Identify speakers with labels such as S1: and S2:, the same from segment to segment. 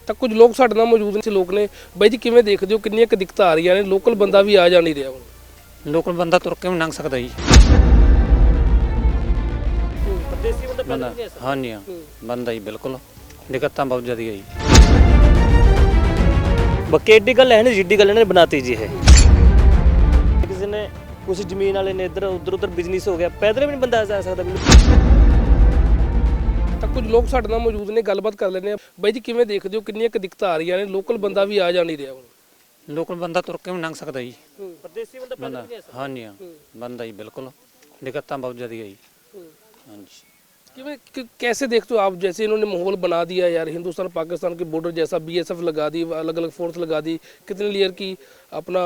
S1: ਤਾਂ ਕੁਝ ਲੋਕ ਸਾਡੇ ਨਾਲ ਮੌਜੂਦ ਨੇ ਲੋਕ ਨੇ ਬਾਈ ਜੀ ਕਿਵੇਂ ਦੇਖਦੇ ਹੋ ਕਿੰਨੀਆਂ ਕੁ ਦਿੱਕਤਾਂ ਆ ਰਹੀਆਂ ਨੇ ਲੋਕਲ ਬੰਦਾ ਵੀ ਆ ਜਾ ਨਹੀਂ ਰਿਹਾ ਹੁਣ
S2: ਲੋਕਲ ਬੰਦਾ ਤੁਰ ਕੇ ਵੀ ਲੰਘ ਸਕਦਾ ਜੀ
S1: ਪਰਦੇਸੀ ਬੰਦਾ
S2: ਬੰਦਾ ਹਾਂਜੀ ਹਾਂ ਬੰਦਾ ਜੀ ਬਿਲਕੁਲ ਦਿੱਕਤਾਂ ਬਹੁਤ ਜ਼ਿਆਦਾ ਹੈ ਜੀ
S3: ਬਾਕੀ ਐਡੀ ਗੱਲ ਹੈ ਨਹੀਂ ਜਿੱਡੀ ਗੱਲ ਇਹਨਾਂ ਨੇ ਬਣਾਤੀ ਜੀ ਇਹ ਕਿਸੇ ਨੇ ਕੁਝ ਜ਼ਮੀਨ ਵਾਲੇ ਨੇ ਇੱਧਰ ਉੱਧਰ ਬਿਜ਼ਨਸ ਹੋ ਗਿਆ ਪੈਦਲ ਵੀ ਨਹੀਂ ਬੰਦਾ ਜਾ ਸਕਦਾ
S1: ਤਾਂ ਕੁਝ ਲੋਕ ਸਾਡੇ ਨਾਲ ਮੌਜੂਦ ਨੇ ਗੱਲਬਾਤ ਕਰ ਲੈਂਦੇ ਆ ਬਾਈ ਜੀ ਕਿਵੇਂ ਦੇਖਦੇ ਹੋ ਕਿੰਨੀਆਂ ਕੁ ਦਿੱਕਤਾਂ ਆ ਰਹੀਆਂ ਨੇ ਲੋਕਲ ਬੰਦਾ ਵੀ ਆ ਜਾ ਨਹੀਂ ਰਿਹਾ ਹੁਣ
S2: ਲੋਕਲ ਬੰਦਾ ਤੁਰ ਕੇ ਵੀ ਲੰਘ ਸਕਦਾ ਜੀ
S3: ਪਰਦੇਸੀ ਬੰਦਾ
S2: ਬੰਦਾ ਹਾਂਜੀ ਹਾਂ ਬੰਦਾ ਜੀ ਬਿਲकुल ਦਿੱਕਤਾਂ बहुत ज़्यादा है जी हाँ जी
S1: कैसे देखते हो आप जैसे इन्होंने माहौल बना दिया यार हिंदुस्तान पाकिस्तान के बॉर्डर जैसा बीएसएफ लगा दी अलग अलग फोर्स लगा दी कितने लेयर की अपना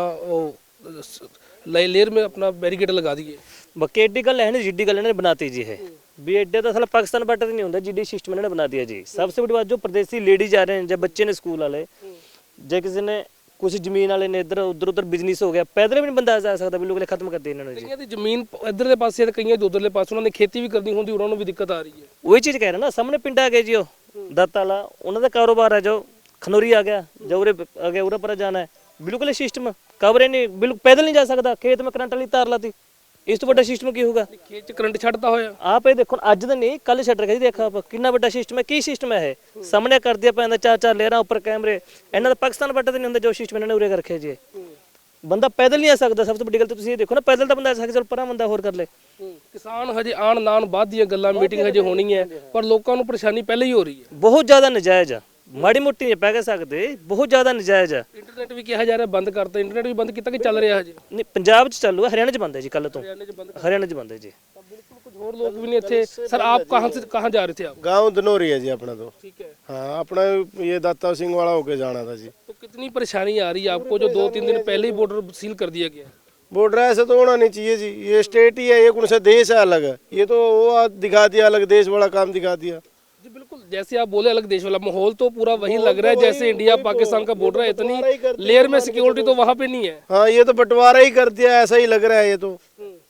S1: लेयर में अपना बैरिकेड लगा दिए
S3: ਬਾਕੀ ਐਡੀ ਗੱਲ ਹੈ ਨਹੀਂ ਜਿੱਡੀ ਗੱਲ ਇਹਨਾਂ ਨੇ ਬਣਾਤੀ ਜੀ ਇਹ ਵੀ ਐਡੇ ਤਾਂ ਸਾਲਾ ਪਾਕਿਸਤਾਨ ਬਾਰਡਰ ਨਹੀਂ ਹੁੰਦਾ ਜਿੱਡੀ ਸਿਸਟਮ ਇਹਨਾਂ ਨੇ ਬਣਾ ਦਿਆ ਜੀ ਸਭ ਤੋਂ ਵੱਡੀ ਬਾਤ ਜੋ ਪ੍ਰਦੇਸੀ ਲੇਡੀ ਜਾ ਰਹੇ ਨੇ ਜਾਂ ਬੱਚੇ ਨੇ ਸਕੂਲ ਵਾਲੇ ਜੇ ਕਿਸੇ ਨੇ ਕੁਝ ਜ਼ਮੀਨ ਵਾਲੇ ਨੇ ਇੱਧਰ ਉੱਧਰ ਬਿਜ਼ਨਸ ਹੋ ਗਿਆ ਪੈਦਲ ਵੀ ਨਹੀਂ ਬੰਦਾ ਜਾ ਸਕਦਾ ਬਿਲਕੁਲ ਖਤਮ ਕਰ ਦੇ ਇਹਨਾਂ ਨੇ ਜੀ
S1: ਕਈਆਂ ਦੀ ਜ਼ਮੀਨ ਇੱਧਰਲੇ ਪਾਸੇ ਤੇ ਕਈਆਂ ਦੀ ਉੱਧਰਲੇ ਪਾਸੇ ਉਹਨਾਂ ਨੇ ਖੇਤੀ ਵੀ ਕਰਨੀ ਹੁੰਦੀ ਉਹਨਾਂ ਨੂੰ ਵੀ ਦਿੱਕਤ ਆ ਰਹੀ ਹੈ
S3: ਉਹੀ ਚੀਜ਼ ਕਹਿ ਰਿਹਾ ਨਾ ਸਾਹਮਣੇ ਪਿੰਡ ਆ ਗਏ ਜੀ ਉਹ ਦੱਤ ਵਾਲਾ ਉਹਨਾਂ ਦਾ ਕਾਰੋਬਾਰ ਹੈ ਜੋ ਖਨੌਰੀ ਆ ਗਿਆ ਜਾਂ ਉਰੇ ਆ ਗਿਆ ਉਰੇ ਪਰ ਜਾਣਾ ਹੈ ਬਿਲਕੁਲ ਇਹ ਸਿਸਟਮ ਕਵਰੇ ਨਹੀਂ ਬਿਲਕੁਲ ਪੈਦਲ ਨਹੀਂ ਜਾ ਸਕਦਾ ਖੇਤ ਮੈਂ ਕਰੰਟ ਵਾਲੀ ਤਾਰ ਲਾਤੀ ਇਸ ਤੋਂ ਵੱਡਾ ਸਿਸਟਮ ਕੀ ਹੋਊਗਾ
S1: ਖੇਤ 'ਚ ਕਰੰਟ ਛੱਡਦਾ ਹੋਇਆ
S3: ਆਪ ਇਹ ਦੇਖੋ ਅੱਜ ਦਾ ਨਹੀਂ ਕੱਲ ਛੱਡ ਰੱਖਿਆ ਜੀ ਦੇਖਾ ਆਪ ਕਿੰਨਾ ਵੱਡਾ ਸਿਸਟਮ ਹੈ ਕੀ ਸਿਸਟਮ ਹੈ ਇਹ ਸਾਹਮਣੇ ਕਰ ਦਿਆ ਪੈਂਦਾ ਚਾਰ ਚਾਰ ਲੇਅਰਾਂ ਉੱਪਰ ਕੈਮਰੇ ਇਹਨਾਂ ਦਾ ਪਾਕਿਸਤਾਨ ਬਾਰਡਰ ਤੇ ਨਹੀਂ ਹੁੰਦਾ ਜੋ ਸਿਸਟਮ ਇਹਨਾਂ ਨੇ ਉਰੇ ਕਰ ਰੱਖਿਆ ਜੀ ਬੰਦਾ ਪੈਦਲ ਨਹੀਂ ਆ ਸਕਦਾ ਸਭ ਤੋਂ ਵੱਡੀ ਗੱਲ ਤਾਂ ਤੁਸੀਂ ਇਹ ਦੇਖੋ ਨਾ ਪੈਦਲ ਤਾਂ ਬੰਦਾ ਆ ਸਕਦਾ ਚਲ ਪਰਾਂ ਬੰਦਾ ਹੋਰ ਕਰ ਲੈ
S1: ਕਿਸਾਨ ਹਜੇ ਆਣ ਨਾਣ ਬਾਅਦ ਦੀਆਂ ਗੱਲਾਂ ਮੀਟਿੰਗ ਹਜੇ ਹੋਣੀ ਹੈ ਪਰ ਲੋਕਾਂ ਨੂੰ ਪਰੇਸ਼ਾਨੀ ਪਹਿਲਾਂ ਹੀ ਹੋ ਰਹੀ ਹੈ
S3: ਬਹੁਤ ਜ਼ਿਆਦਾ ਨਜਾਇਜ਼ ਆ ਮਾੜੀ ਮੋਟੀ ਨਹੀਂ ਪੈ ਸਕਦੇ ਬਹੁਤ ਜ਼ਿਆਦਾ ਨਜਾਇਜ਼ ਆ
S1: ਇੰਟਰਨੈਟ ਵੀ ਕਿਹਾ ਜਾ ਰਿਹਾ ਬੰਦ ਕਰਤਾ ਇੰਟਰਨੈਟ ਵੀ ਬੰਦ ਕੀਤਾ ਕਿ ਚੱਲ ਰਿਹਾ ਹਜੇ
S3: ਨਹੀਂ ਪੰਜਾਬ 'ਚ ਚਾਲੂ ਹੈ ਹਰਿਆਣਾ 'ਚ ਬੰਦ ਹੈ ਜੀ ਕੱਲ ਤੋਂ हरियाणा 'ਚ ਬੰਦ है जी
S1: बिल्कुल कुछ और लोग भी नहीं थे सर आप कहाँ जा रहे थे आप
S4: गांव धनौरी है जी अपना तो
S1: ठीक है
S4: हाँ अपना ये दाता सिंह वाला होके जाना था जी
S1: तो कितनी परेशानी आ रही है आपको जो 2-3 दिन पहले ही बॉर्डर सील कर दिया गया
S4: बॉर्डर ऐसे तो होना नहीं चाहिए जी ये स्टेट ही है ये कौन सा देश है अलग है ये तो वो दिखा दिया अलग देश वाला काम दिखा दिया
S1: जी बिल्कुल जैसे आप बोले अलग देश वाला माहौल तो पूरा वही लग रहा है जैसे इंडिया पाकिस्तान का बॉर्डर है इतनी लेयर में सिक्योरिटी तो वहाँ पे नहीं है
S4: हाँ ये तो बंटवारा ही कर दिया ऐसा ही लग रहा है ये तो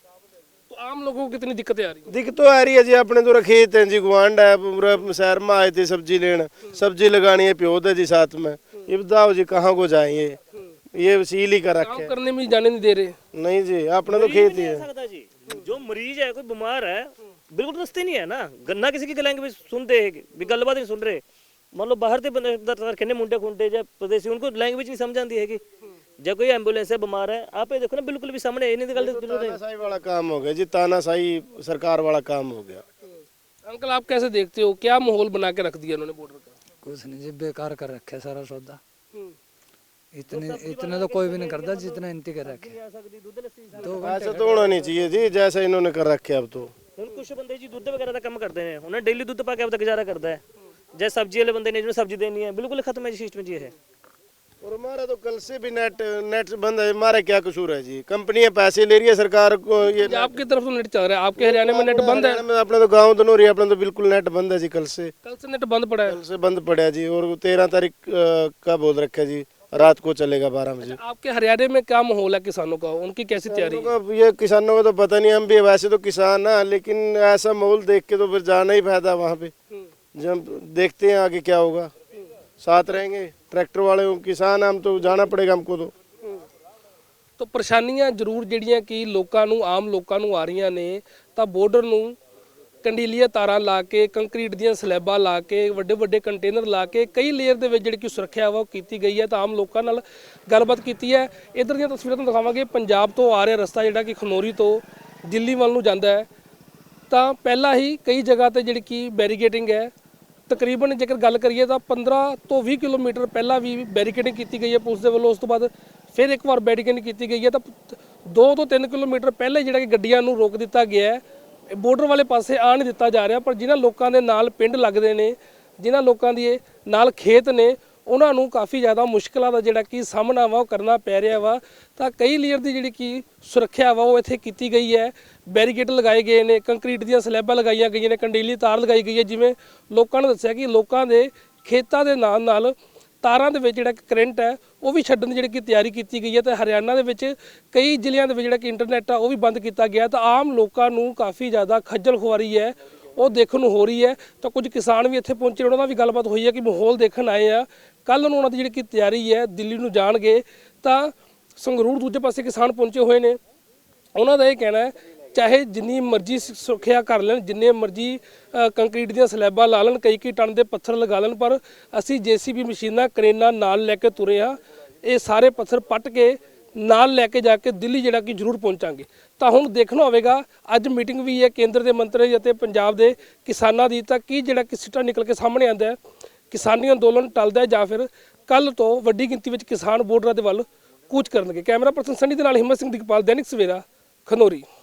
S1: आम लोगों को कितनी दिक्कतें आ रही
S4: दिक्कत तो आ रही है जी अपने तो खेत हैं जी गुआंढ है पूरा शहर में आए थे सब्जी लेने सब्जी लगानी है प्योद है जी साथ में ये बताओ जी कहाँ को जाए ये सील ही कर रखे
S1: काम करने में जाने नहीं दे रहे
S4: नहीं जी अपने तो खेत ही है
S3: सकता जी जो मरीज है कोई बीमार है बिल्कुल रस्ते नहीं है ना गन्ना किसी की लैंग्वेज सुनते हैं भी गलबात नहीं सुन रहे मान लो बाहर के बंदे मुंडे खुंडे या प्रदेशी उनको लैंग्वेज नहीं समझ आती है जब कोई एम्बुलेंस है बीमार है आप ये देखो ना बिल्कुल भी सामने इन्हीं की गल
S4: तानाशाही वाला काम हो गया जी तानाशाही सरकार वाला काम हो गया
S1: अंकल आप कैसे देखते हो क्या माहौल बना के रख दिया उन्होंने बॉर्डर का
S5: कुछ नहीं जी बेकार कर रखे सारा सौदा इतने तो कोई भी नहीं करता जितना इनती कर रखे
S4: ऐसा तो होना नहीं चाहिए जी जैसा इन्होंने कर रखे अब तो
S3: ਹੁਣ ਕੁਝ ਬੰਦੇ ਜੀ ਦੁੱਧ ਵਗੈਰਾ ਦਾ ਕੰਮ ਕਰਦੇ ਨੇ ਉਹਨਾਂ ਡੇਲੀ ਦੁੱਧ ਪਾ ਕੇ ਆਪਦਾ ਗੁਜ਼ਾਰਾ ਕਰਦਾ ਹੈ ਜੇ ਸਬਜ਼ੀ ਵਾਲੇ ਬੰਦੇ ਨੇ ਜਿਹਨੂੰ ਸਬਜ਼ੀ ਦੇਣੀ ਹੈ ਬਿਲਕੁਲ ਖਤਮ ਹੈ ਜੀ ਸਿਸਟਮ ਜੀ ਇਹ
S4: और हमारा तो कल से भी नेट बंद है हमारा क्या कसूर है जी कंपनियां पैसे ले रही है सरकार को ये
S1: आपकी तरफ से नेट चल रहा है आपके हरियाणा में नेट बंद है
S4: अपने तो गाँव धनौरी अपने तो बिल्कुल नेट बंद है जी कल से
S1: नेट बंद पड़ा है
S4: कल से बंद पड़ा है जी और 13 तारीख का बोल रखा है जी रात को चलेगा 12 बजे
S1: आपके हरियाणा में क्या माहौल है किसानों का उनकी कैसी तैयारी है
S4: ये किसानों का तो पता नहीं हम भी वैसे तो किसान है लेकिन ऐसा माहौल देख के तो फिर जाना ही फायदा वहाँ पे जब देखते हैं आगे क्या होगा साथ रहेंगे ट्रैक्टर वाले किसान हम तो जाना पड़ेगा हमको
S1: तो ਪਰੇਸ਼ਾਨੀਆਂ ਜ਼ਰੂਰ ਜਿਹੜੀਆਂ ਕਿ ਲੋਕਾਂ ਨੂੰ ਆਮ ਲੋਕਾਂ ਨੂੰ ਆ ਰਹੀਆਂ ਨੇ ਤਾਂ ਬਾਰਡਰ ਨੂੰ ਕੰਡੀਲੀਆਂ ਤਾਰਾਂ ਲਾ ਕੇ ਕੰਕਰੀਟ ਦੀਆਂ ਸਲੈਬਾਂ ਲਾ ਕੇ ਵੱਡੇ ਵੱਡੇ ਕੰਟੇਨਰ ਲਾ ਕੇ ਕਈ ਲੇਅਰ ਦੇ ਵਿੱਚ ਜਿਹੜੀ ਕਿ ਸੁਰੱਖਿਆ ਵਾ ਉਹ ਕੀਤੀ ਗਈ ਹੈ ਤਾਂ ਆਮ ਲੋਕਾਂ ਨਾਲ ਗੱਲਬਾਤ ਕੀਤੀ ਹੈ ਇਧਰ ਦੀਆਂ ਤਸਵੀਰਾਂ ਤੁਹਾਨੂੰ ਦਿਖਾਵਾਂਗੇ ਪੰਜਾਬ ਤੋਂ ਆ ਰਿਹਾ ਰਸਤਾ ਜਿਹੜਾ ਕਿ ਖਨੌਰੀ ਤੋਂ ਦਿੱਲੀ ਵੱਲ ਨੂੰ ਜਾਂਦਾ ਹੈ ਤਾਂ ਪਹਿਲਾਂ ਹੀ ਕਈ ਜਗ੍ਹਾ ਤੇ ਜਿਹੜੀ ਕਿ ਬੈਰੀਕੇਡਿੰਗ ਹੈ ਤਕਰੀਬਨ ਜੇਕਰ ਗੱਲ ਕਰੀਏ ਤਾਂ 15 ਤੋਂ 20 ਕਿਲੋਮੀਟਰ ਪਹਿਲਾਂ ਵੀ ਬੈਰੀਕੇਡਿੰਗ ਕੀਤੀ ਗਈ ਹੈ ਪੁਲਿਸ ਦੇ ਵੱਲੋਂ ਉਸ ਤੋਂ ਬਾਅਦ ਫਿਰ ਇੱਕ ਵਾਰ ਬੈਰੀਕੇਡਿੰਗ ਕੀਤੀ ਗਈ ਹੈ ਤਾਂ 2 ਤੋਂ 3 ਕਿਲੋਮੀਟਰ ਪਹਿਲੇ ਜਿਹੜਾ ਕਿ ਗੱਡੀਆਂ ਨੂੰ ਰੋਕ ਦਿੱਤਾ ਗਿਆ ਹੈ ਬਾਰਡਰ ਵਾਲੇ ਪਾਸੇ ਆ ਨਹੀਂ ਦਿੱਤਾ ਜਾ ਰਿਹਾ ਪਰ ਜਿਨ੍ਹਾਂ ਲੋਕਾਂ ਦੇ ਨਾਲ ਪਿੰਡ ਲੱਗਦੇ ਨੇ ਜਿਨ੍ਹਾਂ ਲੋਕਾਂ ਦੀ ਨਾਲ ਖੇਤ ਨੇ ਉਹਨਾਂ ਨੂੰ ਕਾਫੀ ਜ਼ਿਆਦਾ ਮੁਸ਼ਕਲਾਂ ਦਾ ਜਿਹੜਾ ਕਿ ਸਾਹਮਣਾ ਵਾ ਉਹ ਕਰਨਾ ਪੈ ਰਿਹਾ ਵਾ ਤਾਂ ਕਈ ਲੇਅਰ ਦੀ ਜਿਹੜੀ ਕਿ ਸੁਰੱਖਿਆ ਵਾ ਉਹ ਇੱਥੇ ਕੀਤੀ ਗਈ ਹੈ ਬੈਰੀਕੇਡ ਲਗਾਏ ਗਏ ਨੇ ਕੰਕਰੀਟ ਦੀਆਂ ਸਲੈਬਾਂ ਲਗਾਈਆਂ ਗਈਆਂ ਨੇ ਕੰਡੀਲੀ ਤਾਰ ਲਗਾਈ ਗਈ ਹੈ ਜਿਵੇਂ ਲੋਕਾਂ ਨੇ ਦੱਸਿਆ ਕਿ ਲੋਕਾਂ ਦੇ ਖੇਤਾਂ ਦੇ ਨਾਲ ਨਾਲ ਤਾਰਾਂ ਦੇ ਵਿੱਚ ਜਿਹੜਾ ਕਰੰਟ ਹੈ ਉਹ ਵੀ ਛੱਡਣ ਦੀ ਜਿਹੜੀ ਕਿ ਤਿਆਰੀ ਕੀਤੀ ਗਈ ਹੈ ਤੇ ਹਰਿਆਣਾ ਦੇ ਵਿੱਚ ਕਈ ਜ਼ਿਲ੍ਹਿਆਂ ਦੇ ਵਿੱਚ ਜਿਹੜਾ ਕਿ ਇੰਟਰਨੈਟ ਆ ਉਹ ਵੀ ਬੰਦ ਕੀਤਾ ਗਿਆ ਤਾਂ ਆਮ ਲੋਕਾਂ ਨੂੰ ਕਾਫੀ ਜ਼ਿਆਦਾ ਖੱਜਲ ਖੁਆਰੀ ਹੈ ਉਹ ਦੇਖਣ ਨੂੰ ਹੋ ਰਹੀ ਹੈ। ਤਾਂ ਕੁਝ ਕਿਸਾਨ ਵੀ ਇੱਥੇ ਪਹੁੰਚੇ, ਉਹਨਾਂ ਨਾਲ ਵੀ ਗੱਲਬਾਤ ਹੋਈ ਹੈ ਕਿ ਮਾਹੌਲ ਦੇਖਣ ਆਏ ਆ। ਕੱਲ ਨੂੰ ਉਹਨਾਂ ਦੀ ਜਿਹੜੀ ਕਿ ਤਿਆਰੀ ਹੈ ਦਿੱਲੀ ਨੂੰ ਜਾਣਗੇ। ਤਾਂ ਸੰਗਰੂਰ ਦੂਜੇ ਪਾਸੇ ਕਿਸਾਨ ਪਹੁੰਚੇ ਹੋਏ ਨੇ, ਉਹਨਾਂ ਦਾ ਇਹ ਕਹਿਣਾ ਹੈ ਚਾਹੇ ਜਿੰਨੀ ਮਰਜ਼ੀ ਸੁਰੱਖਿਆ ਕਰ ਲੈਣ, ਜਿੰਨੇ ਮਰਜ਼ੀ ਕੰਕਰੀਟ ਦੀਆਂ ਸਲੈਬਾਂ ਲਾ ਲੈਣ, ਕਈ ਟਨ ਦੇ ਪੱਥਰ ਲਗਾ ਲੈਣ, ਪਰ ਅਸੀਂ JCB ਮਸ਼ੀਨਾਂ ਕਰੇਨਾਂ ਨਾਲ ਲੈ ਕੇ ਤੁਰੇ ਹਾਂ। ਇਹ ਸਾਰੇ ਪੱਥਰ ਪੱਟ ਕੇ ਨਾਲ ਲੈ ਕੇ ਜਾ ਕੇ ਦਿੱਲੀ ਜਿਹੜਾ ਕਿ ਜ਼ਰੂਰ ਪਹੁੰਚਾਂਗੇ। ਤਾਂ ਹੁਣ ਦੇਖਣਾ ਹੋਵੇਗਾ, ਅੱਜ ਮੀਟਿੰਗ ਵੀ ਹੈ ਕੇਂਦਰ ਦੇ ਮੰਤਰੀ ਅਤੇ ਪੰਜਾਬ ਦੇ ਕਿਸਾਨਾਂ ਦੀ, ਤਾਂ ਕੀ ਜਿਹੜਾ ਕਿ ਸਿੱਟਾ ਨਿਕਲ ਕੇ ਸਾਹਮਣੇ ਆਉਂਦਾ ਹੈ, ਕਿਸਾਨੀ ਅੰਦੋਲਨ ਟਲਦਾ ਹੈ ਜਾਂ ਫਿਰ ਕੱਲ ਤੋਂ ਵੱਡੀ ਗਿਣਤੀ ਵਿੱਚ ਕਿਸਾਨ ਬਾਰਡਰਾਂ ਦੇ ਵੱਲ ਕੂਚ ਕਰਨਗੇ। ਕੈਮਰਾ ਪਰਸਨ ਸਨੀ ਦੇ ਨਾਲ ਹਿੰਮਤ ਸਿੰਘ ਦਿਗਪਾਲ, ਦੈਨਿਕ ਸਵੇਰਾ, ਖਨੌਰੀ।